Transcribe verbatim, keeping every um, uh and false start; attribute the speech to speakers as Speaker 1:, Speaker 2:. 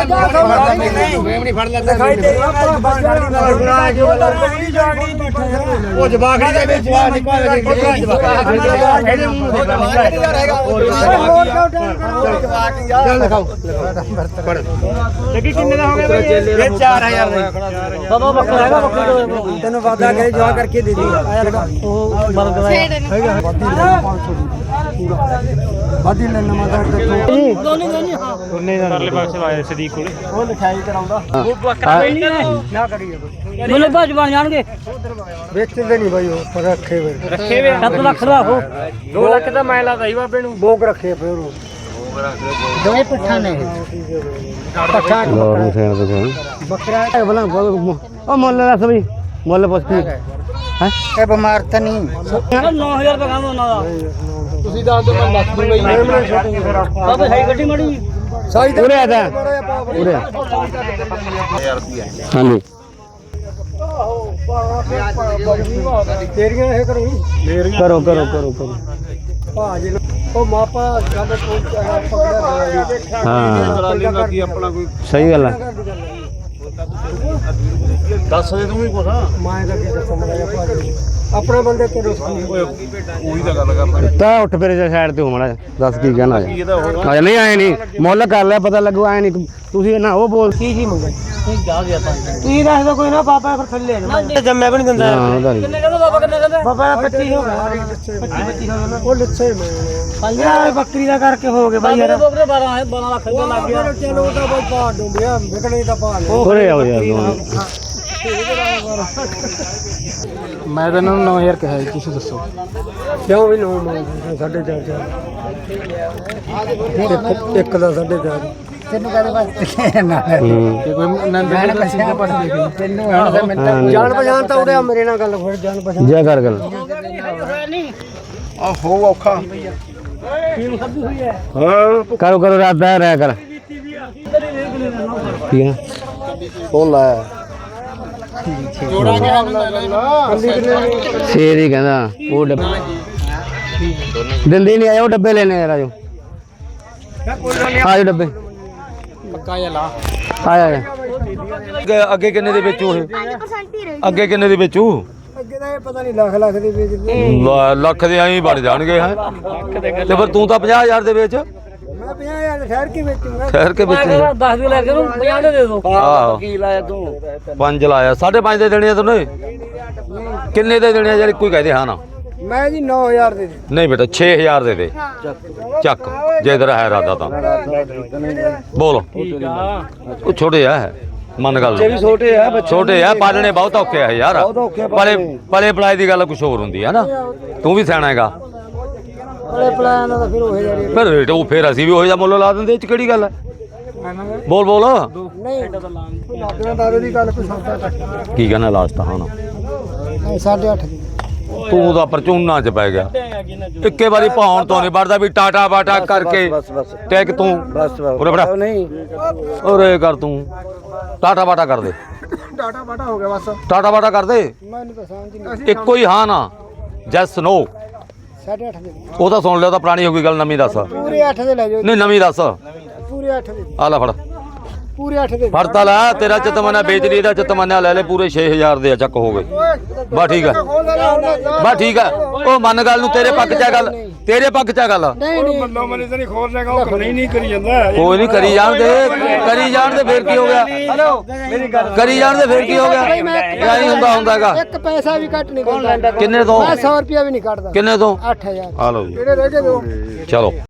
Speaker 1: ਮੇਮਣੀ ਫੜ ਲੈ ਉਹ ਜਵਾਖੜੀ ਦੇ ਵਿੱਚ ਜਵਾਖ ਨਿਕਲ ਗਈ ਚੱਲ ਦਿਖਾਓ ਲੱਗੀ ਕਿੰਨੇ ਦਾ ਹੋ ਗਿਆ ਬਈ ਇਹ ਚਾਰ ਹਜ਼ਾਰ ਦਾ ਬਾਬਾ ਬੱਕਰਾ ਹੈਗਾ ਬੱਕਰੀ ਤੈਨੂੰ ਵਾਦਾ ਕਰੇ ਜਵਾ ਕਰਕੇ ਦੇ ਦੀ ਆਇਆ ਲਗਾ ਉਹ ਮਰ ਗਿਆ ਹੈਗਾ ਵਾਦੀ ਲੈ ਨਵਾਂ ਦਾ ਦੋਨੇ ਦੋਨੇ ਹਾਂ ਦੋਨੇ ਦਾ ਪਰਲੇ ਪਾਸੇ ਆਇਆ ਸਦੀਕ ਕੋਲੇ ਉਹ ਲਿਖਾਈ ਕਰਾਉਂਦਾ ਉਹ ਬੱਕਰਾ ਨਹੀਂ ਨਾ ਕਰੀਏ ਮੈਨੂੰ ਬਾਜ ਬਣ ਜਾਣਗੇ ਵੇਚਦੇ ਨਹੀਂ ਬਾਈ ਉਹ ਪਰ ਰੱਖੇ ਵੇ ਰੱਖੇ ਵੇ ਸੱਤ ਲੱਖ ਦਾ ਹੋ ਦੋ ਲੱਖ ਦਾ ਮੈਂ ਲਾਦਾ ਹੀ ਬਾਬੇ ਨੂੰ ਬੋਕ ਰੱਖੇ ਫਿਰ ਉਹ ਦੋਏ ਪੱਠਾ ਨੇ ਪੱਠਾ ਨੂੰ ਸੇਣ ਦੇ ਬੱਕਰਾ ਬਲਾ ਉਹ ਮੁੱਲ ਦੱਸ ਬਈ ਮੁੱਲ ਪੁੱਛ ਕੀ ਹੈ ਇਹ ਬਿਮਾਰ ਤਾਂ ਨਹੀਂ ਨੌ ਹਜ਼ਾਰ ਰੁਪਏ ਕੰਮ ਉਹਨਾਂ ਦਾ ਤੁਸੀਂ ਦੱਸ ਦਿਓ ਮੈਂ ਲੱਖ ਦੂੰਗਾ ਜੀ ਬਾਬਾ ਸਾਈ ਗੱਡੀ ਮੜੀ ਸਾਈ ਤੇ ਉਰੇ ਆ ਜਾ ਉਰੇ ਆ ਹਜ਼ਾਰ ਰੁਪਏ ਹਾਂਜੀ ਤੇਰੀਆਂ ਇਹ ਕਰੋ ਕਰੋ ਕਰੋ ਕਰੋ ਕਰੋ ਭਾਜੀ ਉਹ ਮਾਪਾ ਸਾਡੇ ਕੋਲ ਪਕੜਿਆ ਹਾਂ ਆਪਣਾ ਕੋਈ ਸਹੀ ਗੱਲ ਹੈ ਦੱਸ ਦੇ ਤੂੰ ਵੀ ਕੁਛ ਮੈਂ ਤਾਂ ਕੀ ਦੱਸਾਂ ਮੜਾ ਭਾਜੀ ਆਪਣੇ ਬੰਦੇ ਕਿਹੜੇ ਉਹੀ ਤਾਂ ਗੱਲ ਕਰਦਾ ਤਾਂ ਉੱਠ ਫਿਰ ਜਾ ਸਾਈਡ ਤੇ ਹੋ ਮੜਾ ਦੱਸ ਕੀ ਕਹਿਣਾ ਆ ਨਹੀਂ ਆਏ ਨਹੀਂ ਮੁੱਲ ਕਰ ਲਿਆ ਪਤਾ ਲੱਗੂ ਆਏ ਨਹੀਂ ਤੁਸੀਂ ਨਾ ਉਹ ਬੋਲ ਕੀ ਜੀ ਮੰਗੇ ਤੁਸੀਂ ਜਾ ਗਿਆ ਤਾਂ ਤੁਸੀਂ ਦੱਸ ਦੋ ਕੋਈ ਨਾ ਬਾਬਾ ਫਿਰ ਥੱਲੇ ਨਾ ਜੰਮਿਆ ਵੀ ਨਹੀਂ ਦਿੰਦਾ ਕਿੰਨੇ ਕਹਿੰਦਾ ਬਾਬਾ ਕਿੰਨੇ ਕਹਿੰਦਾ ਬਾਬਾ ਪੱਚੀ ਹੋ ਗਿਆ ਪੱਚੀ ਪੱਚੀ ਹੋ ਗਿਆ ਉਹ ਲੱਛੇ ਮੈਂ ਯਾਰ ਬੱਕਰੀ ਦਾ ਕਰਕੇ ਹੋ ਗਏ ਬਾਈ ਯਾਰ ਬੱਕਰੇ ਬਾਰਾਂ ਬਾਰਾਂ ਲੱਖ ਰੁਪਏ ਲੱਗ ਗਿਆ ਚਲੋ ਉਹ ਤਾਂ ਬਾਈ ਪਾ ਡੁੰਬਿਆ ਵਿਕਣੇ ਦਾ ਪਾ ਲਿਆ ਹੋਰੇ ਆਓ ਯਾਰ ਮੈਂ ਤਾਂ ਇਹਨਾਂ ਨੂੰ ਨੌ ਹਜ਼ਾਰ ਕਿਹਾ ਤੁਸੀਂ ਦੱਸੋ ਕਿਉਂ ਵੀ ਨੌ ਮੰਗਦੇ ਸਾਢੇ ਚਾਰ ਚਾਰ ਇੱਕ ਦਾ ਸਾਢੇ ਚਾਰ ਤੈਨੂੰ ਕਹਦੇ ਵਾਸਤੇ ਨਾ ਤੇ ਕੋਈ ਨੰਦ ਦੇ ਕਿਸੇ ਦੇ ਪਾਸ ਦੇਖ ਲਈ ਤੈਨੂੰ ਹੁਣ ਜਾਣ ਪਛਾਣ ਤਾਂ ਉਹਦੇ ਮੇਰੇ ਨਾਲ ਗੱਲ ਫਿਰ ਜਾਣ ਪਛਾਣ ਜਾ ਕਰ ਗੱਲ ਆ ਹੋ ਔਖਾ ਟੀਮ ਸੱਦੀ ਹੋਈ ਹੈ ਹਾਂ ਕਰੋ ਕਰੋ ਰਾਤ ਦਾ ਰਹਿ ਕਰ ਠੀਕ ਹੈ ਉਹ ਲੈ ਜੋੜਾ ਕੇ ਸ਼ੇਰ ਹੀ ਕਹਿੰਦਾ ਉਹ ਡੱਬੇ ਦਿੰਦੇ ਨਹੀਂ ਆਏ ਉਹ ਡੱਬੇ ਲੈਣੇ ਯਾਰ ਆਜੋ ਆਜੋ ਡੱਬੇ ਪੱਕਾ ਜਾਂ ਲਾ ਆਇਆ ਅੱਗੇ ਕਿੰਨੇ ਦੇ ਵੇਚੂ ਇਹ ਪੰਜ ਪਰਸੈਂਟ ਹੀ ਰਹੀ ਅੱਗੇ ਕਿੰਨੇ ਦੇ ਵੇਚੂ ਅੱਗੇ ਤਾਂ ਇਹ ਪਤਾ ਨਹੀਂ ਲੱਖ ਲੱਖ ਦੇ ਵੇਚਦੇ ਲੱਖ ਦੇ ਐਂ ਬਣ ਜਾਣਗੇ ਹੈ ਤੇ ਫਿਰ ਤੂੰ ਤਾਂ ਪੰਜਾਹ ਹਜ਼ਾਰ ਦੇ ਵੇਚ ਮੈਂ ਪੰਜਾਹ ਹਜ਼ਾਰ ਠਹਿਰ ਕੇ ਵੇਚੂਗਾ ਠਹਿਰ ਕੇ ਵੇਚੂਗਾ ਦਸ ਦੇ ਲੈ ਕੇ ਉਹਨੂੰ ਪੰਜਾਹ ਦੇ ਦੇ ਦੋ ਆਹ ਕੀ ਲਾਇਆ ਤੂੰ ਪੰਜ ਲਾਇਆ ਸਾਢੇ ਪੰਜ ਦੇ ਦੇਣੇ ਆ ਤੂੰ ਕਿੰਨੇ ਦੇ ਦੇਣੇ ਆ ਯਾਰ ਇੱਕੋ ਹੀ ਕਹਦੇ ਹਾਂ ਨਾ ਮੈਂ ਜੀ ਨੌ ਹਜ਼ਾਰ ਦੇ ਦੇ ਨਹੀਂ ਬੇਟਾ ਛੇ ਹਜ਼ਾਰ ਦੇ ਦੇ ਚੱਕ ਜੇ ਤੇਰਾ ਹੈ ਇਰਾਦਾ ਤਾਂ ਬੋਲ ਉਹ ਛੋਟੇ ਆ ਮਨ ਗੱਲ ਬੱਚੇ ਵੀ ਛੋਟੇ ਆ ਛੋਟੇ ਆ ਪਾਲਣੇ ਬਹੁਤ ਔਖੇ ਆ ਯਾਰ ਪਲੇ ਪਲੇ ਪਲਾਈ ਦੀ ਗੱਲ ਕੁਝ ਹੋਰ ਹੁੰਦੀ ਹੈ ਨਾ ਤੂੰ ਵੀ ਸਿਆਣਾ ਹੈਗਾ ਪਲੇ ਪਲਾਈ ਨਾਲ ਤਾਂ ਫਿਰ ਉਹ ਯਾਰ ਫਿਰ ਰੇਟ ਉਹ ਫਿਰ ਅਸੀਂ ਵੀ ਉਹ ਜਿਹਾ ਮੁੱਲ ਲਾ ਦਿੰਦੇ ਇਹ ਚ ਕਿਹੜੀ ਗੱਲ ਹੈ ਬੋਲ ਬੋਲ ਨਹੀਂ ਲੱਗਣਾ ਦਾਦੇ ਦੀ ਗੱਲ ਕੋਈ ਸੌਦਾ ਕੀ ਕਹਿੰਦਾ ਲਾਸਟ ਹਾਂ ਨਾ ਸਾਢੇ ਅੱਠ ਦੀ ਤੂੰ ਤਾਂ ਪਰਚੂਨਾ ਚ ਪੈ ਗਿਆ ਇੱਕੇ ਵਾਰੀ ਪਾਉਣ ਤੋਂ ਨਹੀਂ ਵੜਦਾ ਵੀ ਟਾਟਾ ਬਾਟਾ ਕਰਕੇ ਟੈਕ ਤੂੰ ਉਰੇ ਬੜਾ ਨਹੀਂ ਉਰੇ ਕਰ ਤੂੰ ਟਾਟਾ ਬਾਟਾ ਕਰ ਦੇ ਟਾਟਾ ਬਾਟਾ ਹੋ ਗਿਆ ਬਸ ਟਾਟਾ ਬਾਟਾ ਕਰ ਦੇ ਮੈਨੂੰ ਤਾਂ ਸਮਝ ਨਹੀਂ ਇੱਕੋ ਹੀ ਹਾਂ ਨਾ ਜੈਸ ਨੋ ਸਾਢੇ ਅੱਠ ਦੇ ਉਹ ਤਾਂ ਸੁਣ ਲਿਆ ਤਾਂ ਪੁਰਾਣੀ ਹੋ ਗਈ ਗੱਲ ਨਵੀਂ ਦੱਸ ਪੂਰੇ ਅੱਠ ਦੇ ਲੈ ਜਾਓ ਨਹੀਂ ਨਵੀਂ ਦੱਸ ਪੂਰੇ ਅੱਠ ਦੇ ਆ ਲੈ ਫੜ ਪੂਰੇ ਅੱਠ ਦੇ ਫੜਤਾ ਲੈ ਤੇਰਾ ਚਤਮਨਾ ਵੇਚ ਲਈ ਇਹਦਾ ਚਤਮਨਾ ਲੈ ਲੈ ਪੂਰੇ ਛੇ ਹਜ਼ਾਰ ਦੇ ਚੱਕ ਹੋ ਗਏ ਬਸ ਠੀਕ ਹੈ ਬਸ ਠੀਕ ਹੈ ਉਹ ਮੰਨ ਗੱਲ ਨੂੰ ਤੇਰੇ ਪੱਕ ਚ ਗੱਲ ਤੇਰੇ ਪੱਕ ਚ ਗੱਲ ਬੰਦਾ ਮਨੇ ਤੇ ਨਹੀਂ ਖੋਲ ਲੈਗਾ ਉਹ ਨਹੀਂ ਨਹੀਂ ਕਰੀ ਜਾਂਦਾ ਕੋਈ ਨਹੀਂ ਕਰੀ ਜਾਣ ਦੇ ਕਰੀ ਜਾਣ ਦੇ ਫੇਰ ਕੀ ਹੋ ਗਿਆ ਹਲੋ ਮੇਰੀ ਗੱਲ ਕਰੀ ਜਾਣ ਦੇ ਫੇਰ ਕੀ ਹੋ ਗਿਆ ਕਿਆ ਨਹੀਂ ਹੁੰਦਾ ਹੁੰਦਾਗਾ ਇੱਕ ਪੈਸਾ ਵੀ ਕੱਟ ਨਹੀਂ ਦਿੰਦਾ ਕਿੰਨੇ ਤੋਂ ਮੈਂ ਸੌ ਰੁਪਿਆ ਵੀ ਨਹੀਂ ਕੱਟਦਾ ਕਿੰਨੇ ਤੋਂ ਅੱਠ ਹਜ਼ਾਰ ਆ ਲਓ ਜੀ ਕਿਹੜੇ ਰਹਿ ਗਏ ਦੋ ਚਲੋ